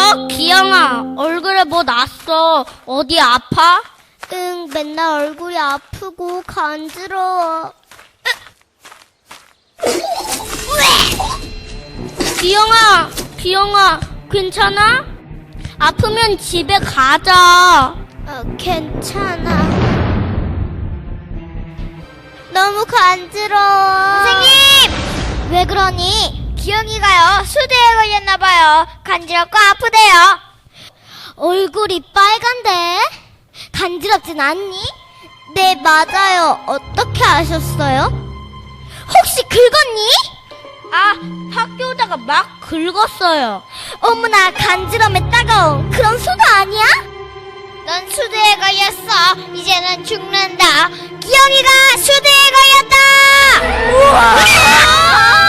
기영아, 얼굴에 뭐 났어? 어디 아파? 응, 맨날 얼굴이 아프고 간지러워. 기영아, 괜찮아? 아프면 집에 가자. 괜찮아. 너무 간지러워. 선생님! 왜 그러니? 기영이가요, 수두에 걸렸나봐요. 간지럽고 아프대요. 얼굴이 빨간데? 간지럽진 않니? 네, 맞아요. 어떻게 아셨어요? 혹시 긁었니? 아, 학교 오다가 막 긁었어요. 어머나, 간지럼에 따가운 그런 수도 아니야? 넌 수두에 걸렸어. 이제 넌 죽는다. 기영이가 수두에 걸렸다! 우와!